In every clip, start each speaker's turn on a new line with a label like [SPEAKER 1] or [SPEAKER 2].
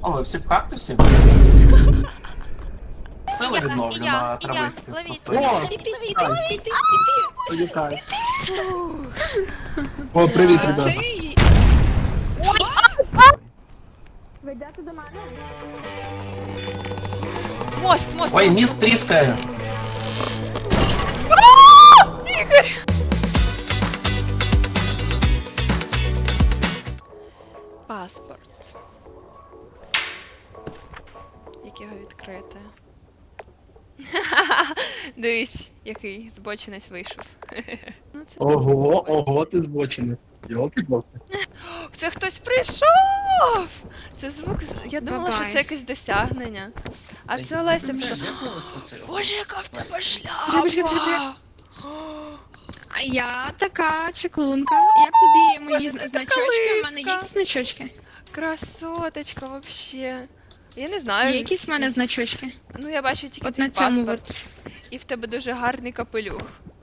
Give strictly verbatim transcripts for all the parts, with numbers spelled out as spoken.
[SPEAKER 1] О, ви всі в кактусі? Сили відновлю на травичці.
[SPEAKER 2] Ловіть,
[SPEAKER 1] О,
[SPEAKER 2] ловіть, ловіть, ловіть,
[SPEAKER 3] Політай. О, привіт, ребята.
[SPEAKER 2] Цей...
[SPEAKER 4] Ви йдете до мене?
[SPEAKER 2] Мост, мост.
[SPEAKER 1] Ой, міст тріскає.
[SPEAKER 2] Ігор! Паспорт. Як його відкрити? Дивись, який збочинець вийшов. Ну, це...
[SPEAKER 3] Ого, ого, ти збочений. Йолки-палки.
[SPEAKER 2] Це хтось прийшов! Це звук, з- я думала,
[SPEAKER 5] Бабай.
[SPEAKER 2] що це якесь досягнення. А це Олеся прийшла. Боже, яка в тебе шляпа!
[SPEAKER 5] А я така чеклунка. Як тобі мої
[SPEAKER 2] Боже, ти
[SPEAKER 5] зна-
[SPEAKER 2] така
[SPEAKER 5] значочки? У мене є
[SPEAKER 2] липка.
[SPEAKER 5] якісь значочки?
[SPEAKER 2] Красоточка, вообще. Я не
[SPEAKER 5] Є
[SPEAKER 2] знаю.
[SPEAKER 5] якісь в мене значочки?
[SPEAKER 2] Ну, я бачу тільки
[SPEAKER 5] От
[SPEAKER 2] твій
[SPEAKER 5] на цьому
[SPEAKER 2] паспорт.
[SPEAKER 5] от.
[SPEAKER 2] І в тебе дуже гарний капелюх.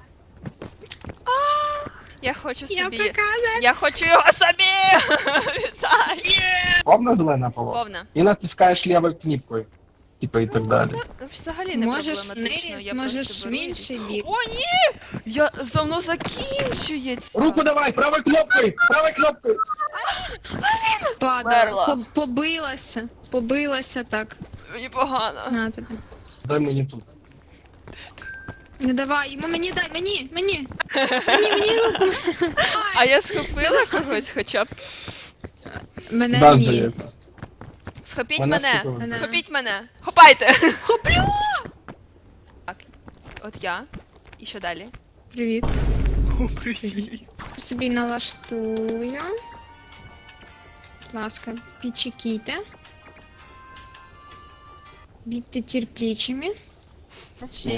[SPEAKER 2] Я хочу
[SPEAKER 5] Я
[SPEAKER 2] собі.
[SPEAKER 5] показую.
[SPEAKER 2] Я хочу його собі! Віталій!
[SPEAKER 3] Повна зелена полоска.
[SPEAKER 2] Повна.
[SPEAKER 3] І натискаєш лівою кнопкою. Типа і так далі.
[SPEAKER 2] Ну, взагалі не
[SPEAKER 5] Можеш
[SPEAKER 2] проблематично.
[SPEAKER 5] вниз,
[SPEAKER 2] я
[SPEAKER 5] можеш
[SPEAKER 2] просто
[SPEAKER 5] в
[SPEAKER 2] беру і
[SPEAKER 5] інший бік.
[SPEAKER 2] О, ні! Я за мною закінчується!
[SPEAKER 3] Руку давай, правою кнопкою, правою кнопкою.
[SPEAKER 5] Падала.
[SPEAKER 2] Мерла.
[SPEAKER 5] По- Побилася. Побилася так.
[SPEAKER 2] Мені погано.
[SPEAKER 5] На тобі.
[SPEAKER 3] Дай мені тут.
[SPEAKER 5] Не давай, йому мені дай, мені, мені. Мені, мені руку.
[SPEAKER 2] А я схопила когось хоча б.
[SPEAKER 5] Мене
[SPEAKER 3] Да,
[SPEAKER 5] ні.
[SPEAKER 3] здається.
[SPEAKER 2] Схопіть
[SPEAKER 3] Мене
[SPEAKER 2] мене!
[SPEAKER 3] схопили.
[SPEAKER 5] Мене.
[SPEAKER 2] Схопіть мене! Хопайте! Хоплю! Так, от я. І що далі?
[SPEAKER 5] Привіт. Собі налаштую. Будь ласка, підчекійте. Будьте терплячими.
[SPEAKER 1] Чи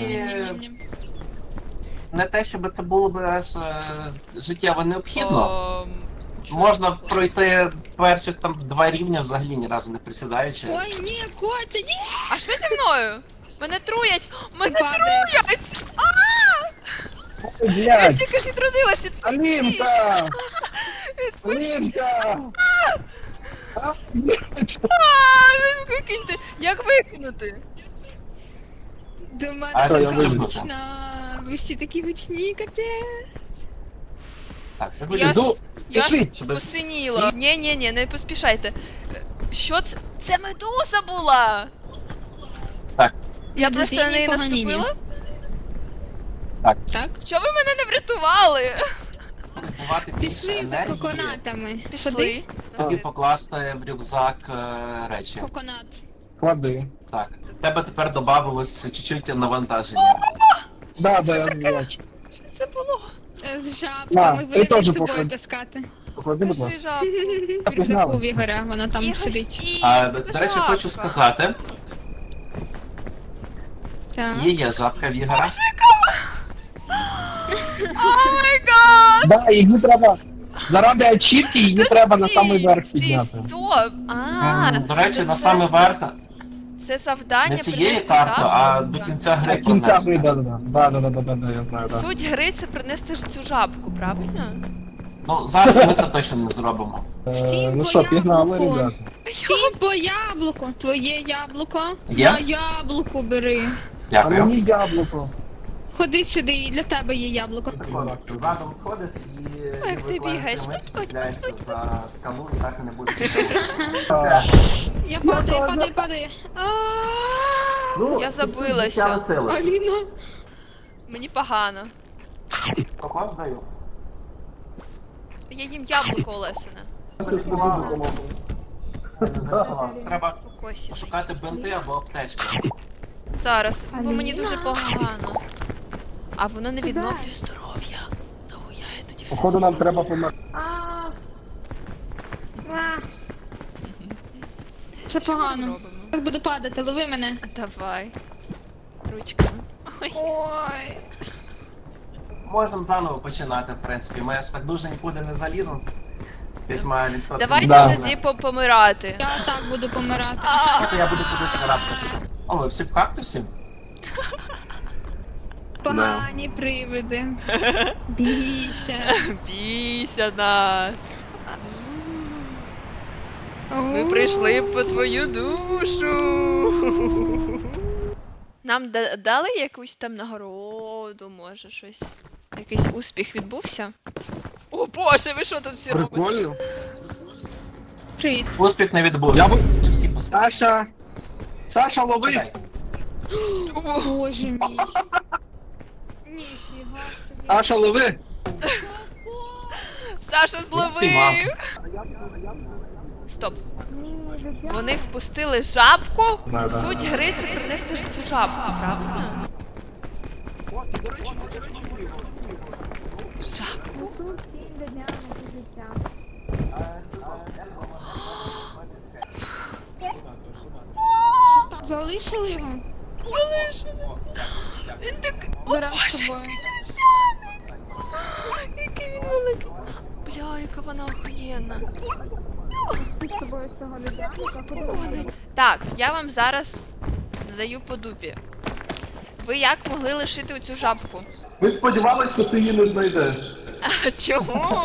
[SPEAKER 1] не те, щоб це було б аж е, життєво необхідно.
[SPEAKER 2] Ом,
[SPEAKER 1] Можна пройти перших там два рівня взагалі ні разу не присідаючи.
[SPEAKER 5] Ой, ні, Котя, ні!
[SPEAKER 2] А що зі мною? Мене труять! Мене
[SPEAKER 5] падаєш.
[SPEAKER 2] труять!
[SPEAKER 3] Ой, блядь,
[SPEAKER 2] Тільки ж відродилася!
[SPEAKER 3] Алінка! Алінка! А, блядь.
[SPEAKER 2] А, викиньте! Як викинути?
[SPEAKER 5] До мене
[SPEAKER 1] А,
[SPEAKER 3] Що, я
[SPEAKER 5] така
[SPEAKER 3] вилізу?
[SPEAKER 5] гучна. Ви всі такі гучні, капець.
[SPEAKER 1] Так, я
[SPEAKER 2] Я
[SPEAKER 1] вилізу.
[SPEAKER 3] Іду,
[SPEAKER 2] Я
[SPEAKER 3] пішли.
[SPEAKER 2] ж
[SPEAKER 1] щоб
[SPEAKER 2] посиніла.
[SPEAKER 1] всі-
[SPEAKER 2] Ні, ні, ні, не поспішайте. Що це? Це медуза була!
[SPEAKER 1] Так.
[SPEAKER 2] Я
[SPEAKER 5] Медузині
[SPEAKER 2] просто на неї
[SPEAKER 5] поганіні.
[SPEAKER 2] наступила?
[SPEAKER 5] Так?
[SPEAKER 2] Що ви мене не врятували?
[SPEAKER 1] Давати більше
[SPEAKER 5] Пішли за
[SPEAKER 1] енергії,
[SPEAKER 5] коконатами. Ходи.
[SPEAKER 2] Пішли.
[SPEAKER 1] тоді покласти в рюкзак е, речі.
[SPEAKER 5] Коконат.
[SPEAKER 3] Клади.
[SPEAKER 1] Так. В тебе тепер додавалось чуть-чуть навантаження.
[SPEAKER 3] Да, да, я бачу.
[SPEAKER 2] Що це було?
[SPEAKER 5] Е, З
[SPEAKER 3] На,
[SPEAKER 5] жабками
[SPEAKER 3] ти
[SPEAKER 5] будете
[SPEAKER 3] теж
[SPEAKER 5] з собою
[SPEAKER 3] поклади.
[SPEAKER 5] таскати.
[SPEAKER 3] Поклади, будь
[SPEAKER 2] Пиши
[SPEAKER 3] ласка.
[SPEAKER 2] жабку.
[SPEAKER 5] В
[SPEAKER 3] погнали.
[SPEAKER 5] рюкзаку в Ігоря, вона там
[SPEAKER 2] Ігор,
[SPEAKER 5] сидить.
[SPEAKER 2] стій,
[SPEAKER 1] А, до,
[SPEAKER 2] це
[SPEAKER 1] до речі,
[SPEAKER 2] жабка.
[SPEAKER 1] хочу сказати,
[SPEAKER 5] Так.
[SPEAKER 1] є є жабка в Ігора.
[SPEAKER 2] О май гад!
[SPEAKER 3] Да, її треба. Заради ачівки її треба на
[SPEAKER 2] Стій,
[SPEAKER 3] самий верх
[SPEAKER 2] стій,
[SPEAKER 3] підняти.
[SPEAKER 2] Стоп! А,
[SPEAKER 1] До речі, на самий верх
[SPEAKER 2] це завдання
[SPEAKER 1] не цієї
[SPEAKER 2] принести
[SPEAKER 1] карти,
[SPEAKER 2] жабку.
[SPEAKER 1] а до кінця
[SPEAKER 3] До
[SPEAKER 1] гри
[SPEAKER 3] кінця
[SPEAKER 1] пронести.
[SPEAKER 3] гри, да, да, да, да, да, да, да, да, я знаю, да.
[SPEAKER 2] Суть гри це принести ж цю жабку, правильно?
[SPEAKER 1] Ну, зараз ми це точно не зробимо.
[SPEAKER 3] Е, ну що, пігнали, ребята.
[SPEAKER 5] Всім по яблуку. Твоє яблуко.
[SPEAKER 1] Є?
[SPEAKER 5] На яблуко бери.
[SPEAKER 3] А
[SPEAKER 1] Дякую.
[SPEAKER 3] мені яблуко.
[SPEAKER 5] Ходи сюди, і для тебе є яблуко.
[SPEAKER 1] Задом сходиш і
[SPEAKER 2] Ой, як ти бігаєш.
[SPEAKER 1] чіпляєшся за скалу і так і не буде.
[SPEAKER 3] А,
[SPEAKER 5] Я падаю, падаю, падаю.
[SPEAKER 1] Ну,
[SPEAKER 2] Я забилася.
[SPEAKER 5] Аліна.
[SPEAKER 2] Мені погано.
[SPEAKER 1] Кокос даю.
[SPEAKER 2] Я їм яблуко Олесине.
[SPEAKER 1] Треба
[SPEAKER 2] Кокосів.
[SPEAKER 1] шукати бинти або аптечки.
[SPEAKER 2] Зараз, бо мені
[SPEAKER 5] Аліна.
[SPEAKER 2] дуже погано. А воно не відновлює здоров'я. Нахуя я тоді все.
[SPEAKER 3] Походу нам треба померти.
[SPEAKER 5] Це погано.
[SPEAKER 2] робимо?
[SPEAKER 5] Як буду падати, лови мене.
[SPEAKER 2] Давай. Ручками. Ой.
[SPEAKER 5] Ой.
[SPEAKER 1] Можемо заново починати, в принципі. Ми ж так дуже нікуди не заліземо з п'ятьма відсотками.
[SPEAKER 2] Давайте
[SPEAKER 3] Да.
[SPEAKER 2] тоді по- помирати.
[SPEAKER 5] Я так буду помирати.
[SPEAKER 2] А,
[SPEAKER 1] Я буду туди карабкати. О, ви всі в кактусі?
[SPEAKER 5] Погані привиди. Бійся.
[SPEAKER 2] Бійся нас. Ми прийшли по твою душу. Нам да- дали якусь там нагороду, може щось. Якийсь успіх відбувся? О боже, ви що тут всі робите?
[SPEAKER 3] Приколів.
[SPEAKER 5] Привіт.
[SPEAKER 1] Успіх не відбувся.
[SPEAKER 3] Я би-
[SPEAKER 1] Чи всі послухали?
[SPEAKER 3] Саша! Саша, лови!
[SPEAKER 1] Дай.
[SPEAKER 5] Боже мій. Ніфіга собі.
[SPEAKER 3] Саша, лови!
[SPEAKER 2] Саша
[SPEAKER 1] Він спіймав.
[SPEAKER 2] зловив! Стоп.
[SPEAKER 4] Ні, ребята.
[SPEAKER 2] Вони впустили жабку?
[SPEAKER 3] Да, да.
[SPEAKER 2] Суть гри це принести ж цю жабку, правильно? Жабку?
[SPEAKER 4] Тут всім до дня на життя.
[SPEAKER 5] Залишили його?
[SPEAKER 2] Залишили. Він так...
[SPEAKER 5] Беремо
[SPEAKER 2] Боже,
[SPEAKER 5] з собою.
[SPEAKER 2] який він великий. Бля, яка вона охуєнна.
[SPEAKER 4] Ти з собою цього людяника ходили.
[SPEAKER 2] Так, я вам зараз надаю по дупі. Ви як могли лишити оцю жабку?
[SPEAKER 3] Ми сподівалися, що ти її не знайдеш.
[SPEAKER 2] А чому?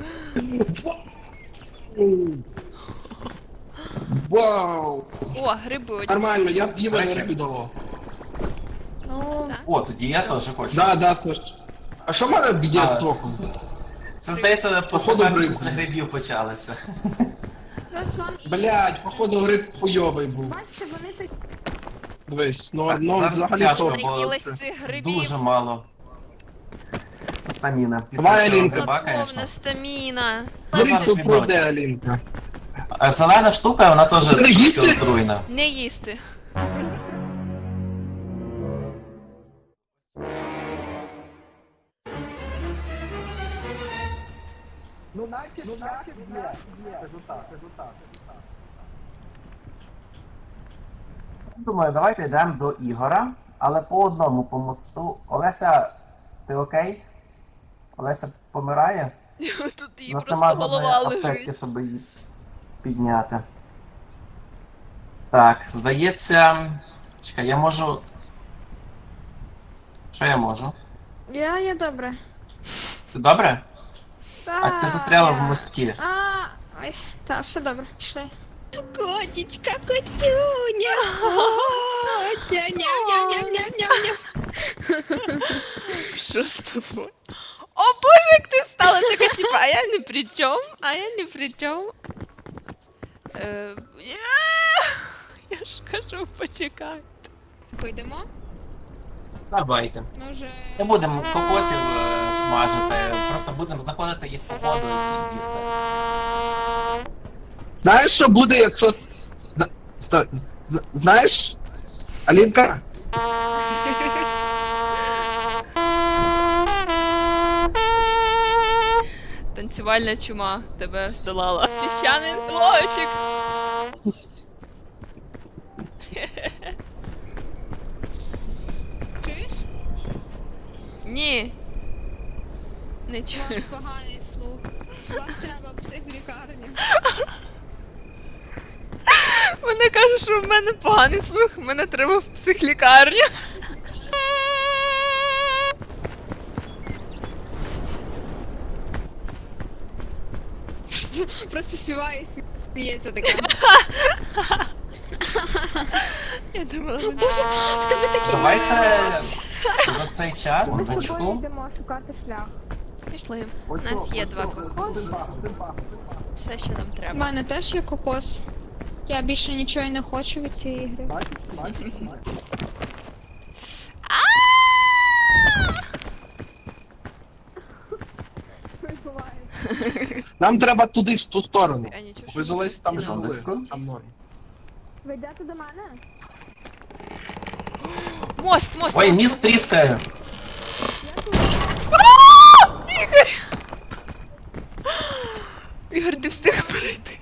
[SPEAKER 3] Вау!
[SPEAKER 2] О, гриби одні.
[SPEAKER 3] Нормально, я б їм
[SPEAKER 1] Речі.
[SPEAKER 3] енергію давав.
[SPEAKER 5] Ну,
[SPEAKER 1] О, тоді я теж хочу.
[SPEAKER 3] Да, да, Саш. А що в мене б'є
[SPEAKER 1] А.
[SPEAKER 3] трохи?
[SPEAKER 1] Це, здається,
[SPEAKER 3] Походу,
[SPEAKER 1] поступання
[SPEAKER 3] гриб.
[SPEAKER 1] після грибів почалися.
[SPEAKER 3] Блять, походу гриб хуйовий був.
[SPEAKER 4] Бачите, вони такі.
[SPEAKER 3] Дивись, ну,
[SPEAKER 1] Так,
[SPEAKER 3] ну
[SPEAKER 1] зараз
[SPEAKER 3] взагалі
[SPEAKER 1] тяжко,
[SPEAKER 3] то.
[SPEAKER 1] бо
[SPEAKER 2] Наїлась
[SPEAKER 1] це
[SPEAKER 2] цих грибів.
[SPEAKER 1] Дуже мало. Стаміна.
[SPEAKER 3] Давай,
[SPEAKER 1] Після цього
[SPEAKER 3] Алінка.
[SPEAKER 1] гриба,
[SPEAKER 2] Повна
[SPEAKER 1] звісно.
[SPEAKER 2] стаміна.
[SPEAKER 1] Ну,
[SPEAKER 3] Гриб
[SPEAKER 1] зараз
[SPEAKER 3] то
[SPEAKER 1] відновиться.
[SPEAKER 3] пройде, Алінка.
[SPEAKER 1] А зелена штука, вона теж
[SPEAKER 3] Ти
[SPEAKER 1] трошки
[SPEAKER 3] їсти?
[SPEAKER 1] отруйна.
[SPEAKER 2] Не їсти.
[SPEAKER 3] Ну, наче, ну, наче, є. Скажу так, скажу так.
[SPEAKER 1] Думаю, давайте йдемо до Ігора, але по одному по мосту. Олеся, ти окей? Олеся помирає?
[SPEAKER 2] Тут її
[SPEAKER 1] Вона
[SPEAKER 2] просто
[SPEAKER 1] сама
[SPEAKER 2] голова
[SPEAKER 1] задає аптеки,
[SPEAKER 2] лежить.
[SPEAKER 1] щоб її підняти. Так, здається. Чекай, я можу. Що я можу?
[SPEAKER 5] я, я добре.
[SPEAKER 1] Ти добре?
[SPEAKER 5] Та,
[SPEAKER 1] А ти застряла в
[SPEAKER 5] я-
[SPEAKER 1] мості.
[SPEAKER 5] А, ой, так, все добре, пішли. Котічка, котюня. Котя, ням-ням-ням-ням-ням.
[SPEAKER 2] Що з тобою? О боже, як ти стала така, типа, а я не при чому, а я не при чому. Е, я- Я ж кажу, почекай.
[SPEAKER 5] Пойдемо?
[SPEAKER 1] Давайте.
[SPEAKER 5] Ми вже...
[SPEAKER 1] Не будемо кокосів е, смажити, просто будемо знаходити їх по ходу і їсти.
[SPEAKER 3] Знаєш, що буде, якщо... Зна- стой. Зна- Знаєш, Алінка?
[SPEAKER 2] Танцювальна чума тебе здолала. Піщаний блочик.
[SPEAKER 5] Чуєш?
[SPEAKER 2] Ні. Не
[SPEAKER 5] У вас
[SPEAKER 2] чую.
[SPEAKER 5] поганий слух. Вас треба в психлікарню.
[SPEAKER 2] Мене кажуть, що в мене поганий слух, мене треба в психлікарню.
[SPEAKER 5] Просто співає і сміється така.
[SPEAKER 2] Я думала,
[SPEAKER 5] Боже, в тебе такі
[SPEAKER 1] Давайте за цей час,
[SPEAKER 4] Ми з тобою
[SPEAKER 1] секундочку.
[SPEAKER 4] йдемо шукати шлях.
[SPEAKER 2] пішли. У нас є два кокоси. Все, що нам
[SPEAKER 5] У
[SPEAKER 2] треба.
[SPEAKER 5] мене теж є кокос. Я більше нічого й не хочу від цієї гри.
[SPEAKER 3] Нам треба туди, в ту сторону.
[SPEAKER 2] А нічого, що
[SPEAKER 3] Ви з Олесі там ж
[SPEAKER 2] ми
[SPEAKER 3] були.
[SPEAKER 1] Секундочку.
[SPEAKER 3] Там норм.
[SPEAKER 4] Ви йдете до мене?
[SPEAKER 2] Мост, мост.
[SPEAKER 1] Ой,
[SPEAKER 2] мост.
[SPEAKER 1] міст тріскає.
[SPEAKER 2] Ігор! Ігор, ти встиг перейти.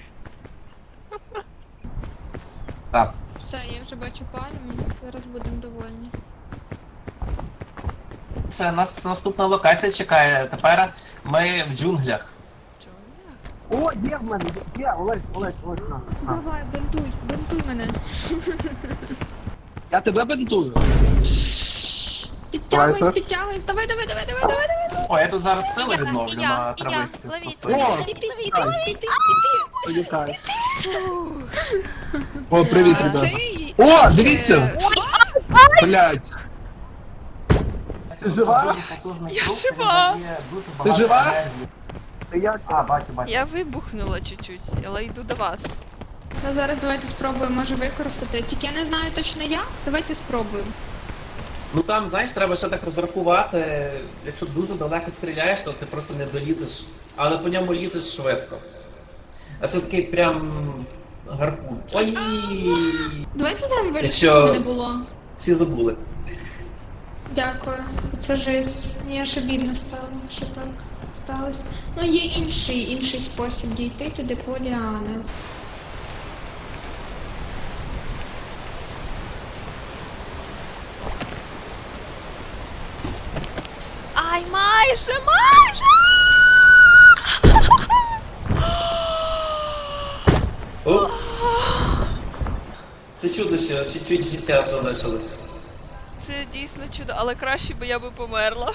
[SPEAKER 1] Так.
[SPEAKER 5] Все, я вже бачу пальму. Зараз будемо довольні.
[SPEAKER 1] Ще нас наступна локація чекає. Тепер ми в джунглях.
[SPEAKER 2] Чого?
[SPEAKER 3] О, є в мене, є, Олесь, Олесь, Олесь, на. на.
[SPEAKER 5] Давай, бинтуй, бинтуй мене.
[SPEAKER 3] Я тебе бентую.
[SPEAKER 5] Підтягуйся,
[SPEAKER 3] Давай,
[SPEAKER 5] підтягуйся. Давай, давай, давай, давай, давай, давай.
[SPEAKER 1] О, я тут зараз сили
[SPEAKER 2] Я,
[SPEAKER 1] відновлю
[SPEAKER 2] і я,
[SPEAKER 1] на
[SPEAKER 2] і я.
[SPEAKER 1] травичці.
[SPEAKER 2] Ловіть,
[SPEAKER 3] О!
[SPEAKER 2] ловіть, ловіть, ловіть, ловіть.
[SPEAKER 3] Почекай. О, привіт,
[SPEAKER 5] А
[SPEAKER 3] ребята.
[SPEAKER 5] цей...
[SPEAKER 3] О, дивіться!
[SPEAKER 5] Е,
[SPEAKER 3] Блять. Ти жива?
[SPEAKER 1] Дуже потужний
[SPEAKER 2] Я
[SPEAKER 1] круг,
[SPEAKER 2] жива.
[SPEAKER 1] він дає дуже
[SPEAKER 3] Ти
[SPEAKER 1] багато
[SPEAKER 3] жива?
[SPEAKER 1] енергії.
[SPEAKER 3] Ти як?
[SPEAKER 1] А, бачу, бачу.
[SPEAKER 2] Я вибухнула чуть-чуть, але йду до вас.
[SPEAKER 5] Та зараз давайте спробуємо, може використати. Тільки я не знаю точно як. Давайте спробуємо.
[SPEAKER 6] Ну там, знаєш, треба ще так розрахувати. Якщо дуже далеко стріляєш, то ти просто не долізеш, але по ньому лізеш швидко. А це такий прям гарпун. Ой!
[SPEAKER 5] Давайте зробимо вигляд,
[SPEAKER 6] Якщо-
[SPEAKER 5] що не було.
[SPEAKER 6] Всі забули.
[SPEAKER 5] Дякую. Це жесть. Мені аж обідно стало, що так сталося. Ну, є інший, інший спосіб дійти туди по ліани.
[SPEAKER 2] Ай, майже, майже!
[SPEAKER 6] Упс. Це чудо, що чуть-чуть життя залишилось.
[SPEAKER 2] Це дійсно чудо, але краще би я би померла.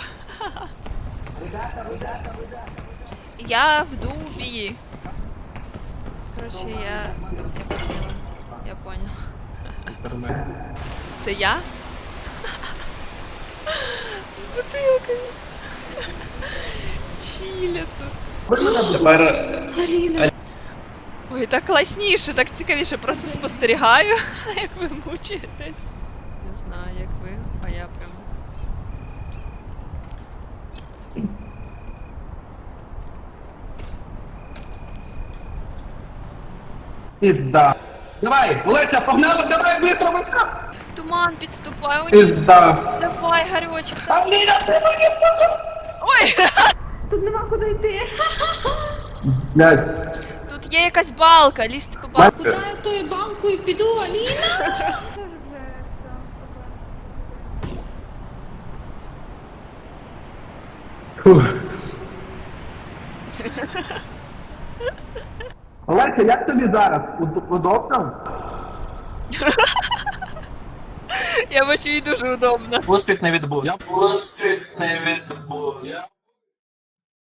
[SPEAKER 2] Я в дубі. Коротше, я. Я поняла. Я поняла. Це я? З бутилкою. Чіля тут.
[SPEAKER 6] Тепер е,
[SPEAKER 5] Аліна.
[SPEAKER 2] Ой, так класніше, так цікавіше, просто спостерігаю, як ви мучаєтесь. Не знаю, як ви, а я прям.
[SPEAKER 3] Пізда. Давай, Олеся, погнала, давай, быстро, быстро.
[SPEAKER 2] Туман підступає, о ні,
[SPEAKER 3] Пізда.
[SPEAKER 2] давай, Гарьочок.
[SPEAKER 3] Аліна, ти мені
[SPEAKER 2] Ой!
[SPEAKER 5] Тут нема куди йти.
[SPEAKER 3] Блядь.
[SPEAKER 2] Тут є якась балка, лізти по балку.
[SPEAKER 5] Куди я тою банкою піду, Аліна?
[SPEAKER 3] Фух. Олеся, як тобі зараз? Уд- Удобно?
[SPEAKER 2] Я бачу, їй дуже удобно.
[SPEAKER 6] успіх не відбувся. Успіх не відбувся.